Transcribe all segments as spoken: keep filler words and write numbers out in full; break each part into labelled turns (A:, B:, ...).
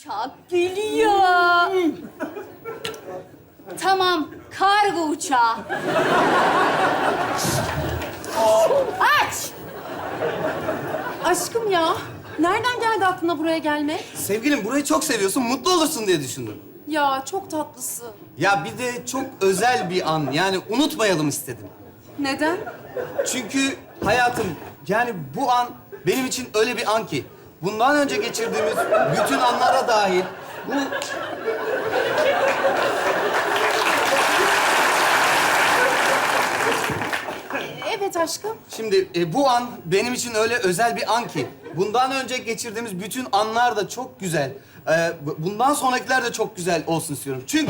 A: uçak geliyor. Tamam, kargo uçağı. Aç!
B: Aşkım ya, nereden geldi aklına buraya gelmek?
C: Sevgilim burayı çok seviyorsun, mutlu olursun diye düşündüm.
B: Ya çok tatlısın.
C: Ya bir de çok özel bir an. Yani unutmayalım istedim.
B: Neden?
C: Çünkü hayatım, yani bu an benim için öyle bir an ki... ...bundan önce geçirdiğimiz bütün anlara dahil... ...bu...
B: Evet aşkım.
C: Şimdi e, bu an benim için öyle özel bir an ki... ...bundan önce geçirdiğimiz bütün anlar da çok güzel. Ee, bu- bundan sonrakiler de çok güzel olsun istiyorum. Çünkü...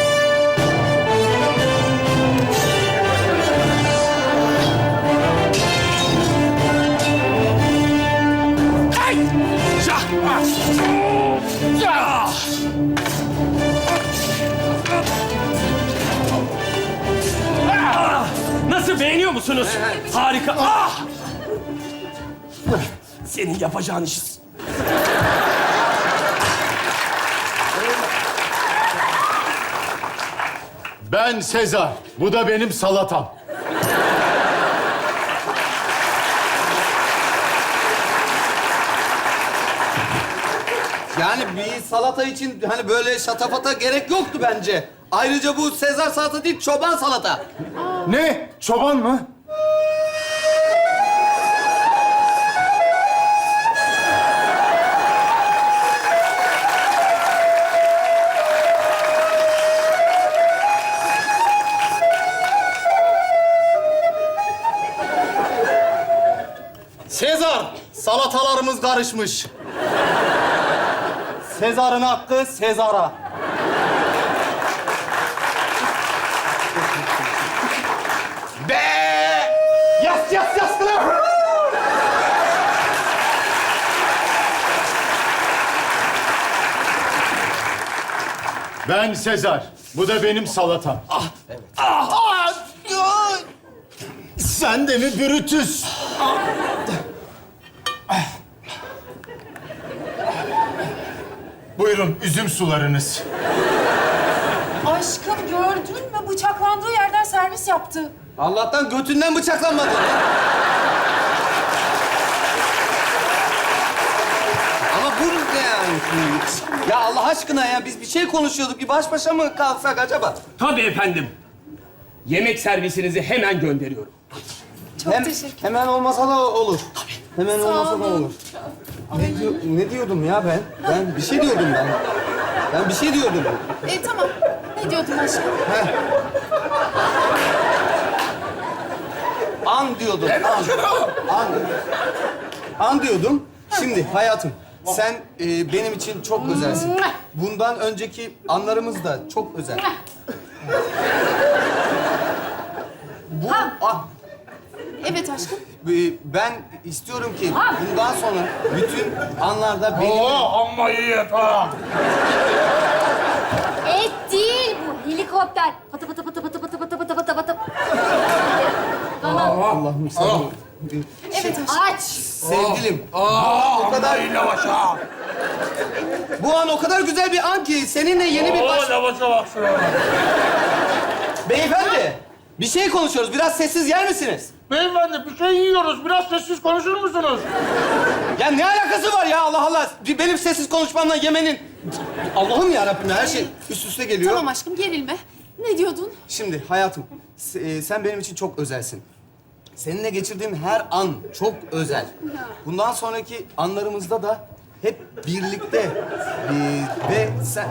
D: Nasıl, beğeniyor musunuz? Harika. Ah! Senin yapacağın işi.
E: Ben Sezar. Bu da benim salatam.
C: Yani bir salata için hani böyle şatafata gerek yoktu bence. Ayrıca bu Sezar salata değil, çoban salata.
E: Ne? Çoban mı?
C: Sezar, salatalarımız karışmış. Sezar'ın hakkı Sezar'a. Be! Yas yas yas kılar!
E: Ben Sezar. Bu da benim salatam. Ah, evet. Ah, ah, ah. Sen de mi Brutus? Buyurun, üzüm sularınız.
B: Aşkım gördün mü? Bıçaklandığı yerden servis yaptı.
C: Allah'tan götünden bıçaklanmadı. Ama bu ne yani? Ya Allah aşkına ya, biz bir şey konuşuyorduk. Bir baş başa mı kalsak acaba?
D: Tabii efendim. Yemek servisinizi hemen gönderiyorum.
B: Çok
C: Hem,
B: teşekkür
C: hemen olmasa da olur. Hemen
B: Sağ
C: olmasa da
B: olun.
C: olur. Ne, diyor- ne diyordum ya ben? Ben bir şey diyordum ben. Ben bir şey diyordum.
B: E tamam. Ne diyordun aşkım?
C: An diyordum. An. An. An diyordum. Şimdi hayatım, sen e, benim için çok özelsin. Bundan önceki anlarımız da çok özel. Bu, a-
B: Evet aşkım.
C: e, ben istiyorum ki bundan sonra bütün anlarda benim...
E: amma iyi et ha.
A: Et değil bu, helikopter. Patı patı patı patı patı patı patı patı patı.
C: Allah'ım sana...
B: Evet aşkım.
A: Aç!
C: Sevgilim, o kadar... Bu an o kadar güzel bir an ki seninle yeni bir baş...
E: lavaşa bak şuna.
C: Beyefendi, bir şey konuşuyoruz. Biraz sessiz yer misiniz?
E: Beyefendi, bir şey yiyoruz. Biraz sessiz konuşur musunuz?
C: Ya ne alakası var ya Allah Allah? Benim sessiz konuşmamla yemenin... Allah'ım yarabbim, her şey üst üste geliyor.
B: Tamam aşkım gerilme. Ne diyordun?
C: Şimdi hayatım, s- e, sen benim için çok özelsin. Seninle geçirdiğim her an çok özel. Bundan sonraki anlarımızda da hep birlikte e, ve sen...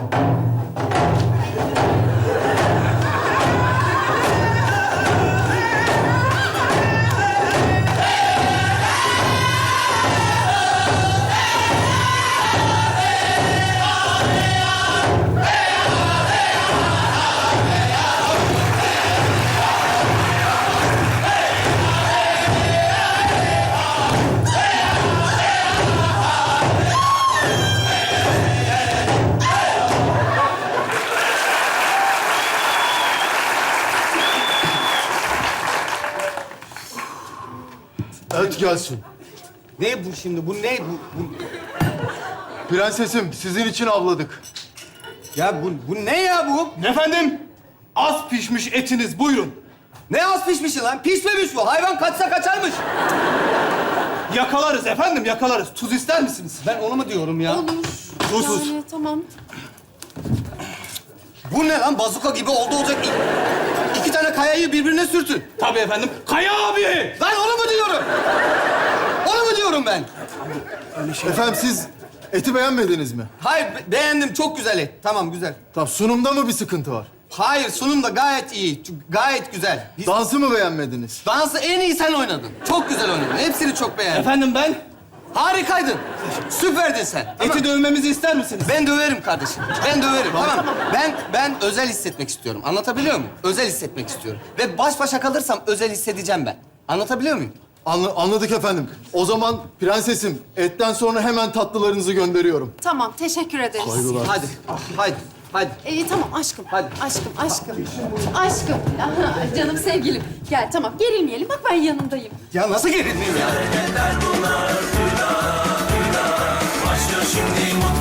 E: Et gelsin.
C: Ne bu şimdi? Bu ne? Bu, bu...
E: Prensesim, sizin için avladık.
C: Ya bu, bu ne ya bu?
F: Efendim, az pişmiş etiniz, buyurun.
C: Ne az pişmiş lan? Pişmemiş bu. Hayvan kaçsa kaçarmış.
F: Yakalarız efendim, yakalarız. Tuz ister misiniz?
C: Ben onu mu diyorum ya?
B: Olur.
F: Tuzsuz.
B: Yani tamam.
C: Bu ne lan? Bazuka gibi oldu olacak. İ- İki tane kayayı birbirine sürtün.
F: Tabii efendim. Kaya abi!
C: Ben onu mu diyorum? Onu mu diyorum ben?
E: Efendim siz eti beğenmediniz mi?
C: Hayır, be- beğendim. Çok güzel et. Tamam, güzel.
E: Tamam, sunumda mı bir sıkıntı var?
C: Hayır, sunum da gayet iyi. Ç- Gayet güzel. Biz-
E: Dansı mı beğenmediniz?
C: Dansı en iyi sen oynadın. Çok güzel oynadın. Hepsini çok beğendim.
F: Efendim ben?
C: Harikaydın. Süperdin sen.
F: Eti dövmemizi ister misiniz?
C: Ben döverim kardeşim. Ben döverim. Tamam. Ben ben özel hissetmek istiyorum. Anlatabiliyor muyum? Özel hissetmek istiyorum. Ve baş başa kalırsam özel hissedeceğim ben. Anlatabiliyor muyum?
E: Anla- anladık efendim. O zaman prensesim, etten sonra hemen tatlılarınızı gönderiyorum.
B: Tamam, teşekkür ederiz.
E: Saygılar.
C: Hadi. Hadi. Hadi.
B: Ee, tamam aşkım.
C: Hadi.
B: Aşkım, aşkım. Aşkım. Aha, canım sevgilim. Gel tamam, gerilmeyelim. Bak ben yanındayım.
C: Ya nasıl gerilmeyeyim ya?
G: Başlıyor şimdi